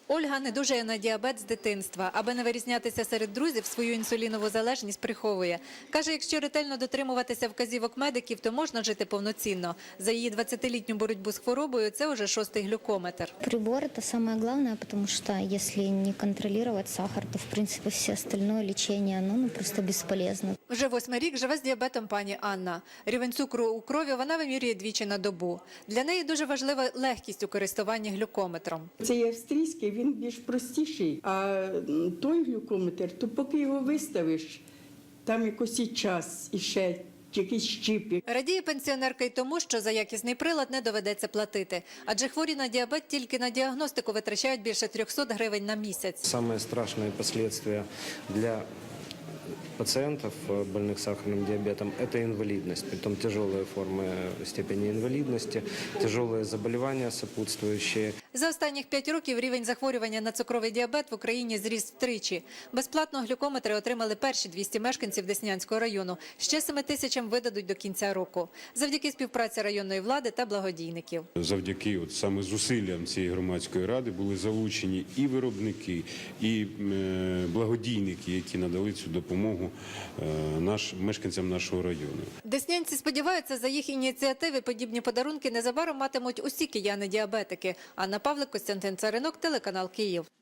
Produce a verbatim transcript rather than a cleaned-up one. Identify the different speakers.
Speaker 1: Ольга недужає на діабет з дитинства. Аби не вирізнятися серед друзів, свою інсулінову залежність приховує. Каже, якщо ретельно дотримуватися вказівок медиків, то можна жити повноцінно. За її двадцятилітню боротьбу з хворобою – це вже шостий глюкометр.
Speaker 2: Прибор – это самое главное, потому что если не контролировать сахар, то, в принципе, все остальное лечение, оно ну, просто бесполезно.
Speaker 1: Вже восьмий рік живе з діабетом пані Анна. Рівень цукру у крові вона вимірює двічі на добу. Для неї дуже важлива легкість у користуванні глюкометром.
Speaker 3: Цей австрійський, він більш простіший, а той глюкометр, то поки його виставиш, там якось і час, і ще якийсь щіпік.
Speaker 1: Радіє пенсіонерка й тому, що за якісний прилад не доведеться платити. Адже хворі на діабет тільки на діагностику витрачають більше трьохсот гривень на місяць.
Speaker 4: Самые страшные последствия для пациентов, больных сахарным диабетом, это инвалидность, притом тяжелые формы степени инвалидности, тяжелые заболевания сопутствующие.
Speaker 1: За останніх п'ять років рівень захворювання на цукровий діабет в Україні зріс втричі. Безплатно глюкометри отримали перші двісті мешканців Деснянського району. Ще семи тисячам видадуть до кінця року. Завдяки співпраці районної влади та благодійників.
Speaker 5: Завдяки от саме зусиллям цієї громадської ради були залучені і виробники, і е, благодійники, які надали цю допомогу е, наш, мешканцям нашого району.
Speaker 1: Деснянці сподіваються, за їх ініціативи подібні подарунки незабаром матимуть усі кияни-діабетики. Анна Павлик, Костянтин Царинок, телеканал Київ.